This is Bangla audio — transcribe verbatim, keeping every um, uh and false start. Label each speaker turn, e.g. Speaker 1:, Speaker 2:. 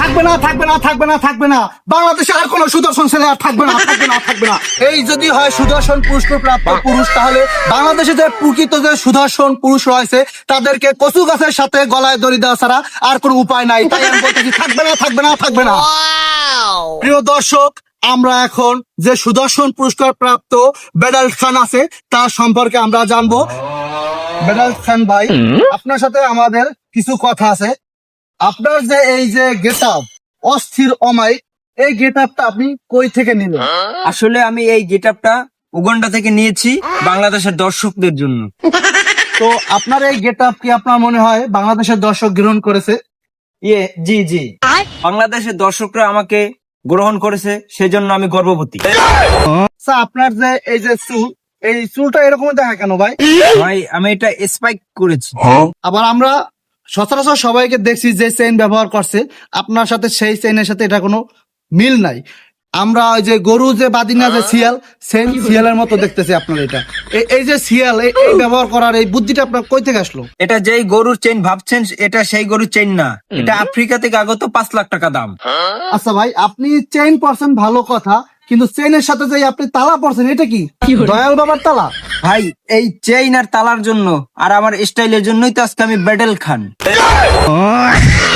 Speaker 1: থাকবে না থাকবে না থাকবে না থাকবে না বাংলাদেশে আর কোন সুদর্শন ছেলে আর থাকবে না থাকবে না থাকবে না এই যদি হয় সুদর্শন পুরস্কার প্রাপ্ত পুরুষ তাহলে বাংলাদেশে যে প্রকৃত যে সুদর্শন পুরুষ রয়েছে তাদেরকে কচু গাছের সাথে গলায় দড়ি দেওয়া ছাড়া আর কোনো উপায় নাই। তাই আমি বলতেছি থাকবে না থাকবে না থাকবে না। প্রিয় দর্শক, আমরা এখন যে সুদর্শন পুরস্কার প্রাপ্ত বেডাল খান আছে তার সম্পর্কে আমরা জানবো। বেডাল খান ভাই, আপনার সাথে আমাদের কিছু কথা আছে। আপনার যে এই যে গেট আপ অস্থির অমায়িক, এই গেট আপটা আপনি কই থেকে নিলেন?
Speaker 2: আসলে আমি এই গেটআপটা উগান্ডা থেকে নিয়েছি বাংলাদেশের দর্শকদের জন্য।
Speaker 1: তো আপনার এই গেট আপ কি আপনার মনে হয় বাংলাদেশের দর্শক গ্রহণ করেছে?
Speaker 2: ইয়ে জি জি বাংলাদেশের দর্শকরা আমাকে গ্রহণ করেছে, সেজন্য আমি গর্ববতী।
Speaker 1: আচ্ছা, আপনার যে এই যে চুল, এই চুলটা এরকম দেখা কেন ভাই?
Speaker 2: ভাই আমি এটা স্পাইক করেছি।
Speaker 1: আবার আমরা সচরাচর সবাইকে দেখছি যে চেইন ব্যবহার করছে, আপনার সাথে সেই চেইনের সাথে এটা কোনো মিল নাই। আমরা ওই যে গরু যে বাদি না যে শিয়াল, সেম শিয়ালের মতো দেখতেছি আপনার এটা। এই- এই যে শিয়াল, এই এই ব্যবহার করার এই বুদ্ধিটা আপনার কই থেকে আসলো?
Speaker 2: এটা যেই গরুর চেইন ভাবছেন এটা সেই গরুর চেইন না, এটা আফ্রিকা থেকে আগত পাঁচ লাখ টাকা দাম।
Speaker 1: আচ্ছা ভাই, আপনি চেইন পরছেন ভালো কথা, কিন্তু চেইনের সাথে যে আপনি তালা পরছেন, এটা কি দয়াল বাবার তালা?
Speaker 2: ভাই এই চেইন আর তালার জন্য আর আমার স্টাইলের জন্যই তো আজকে আমি বেডেল খান।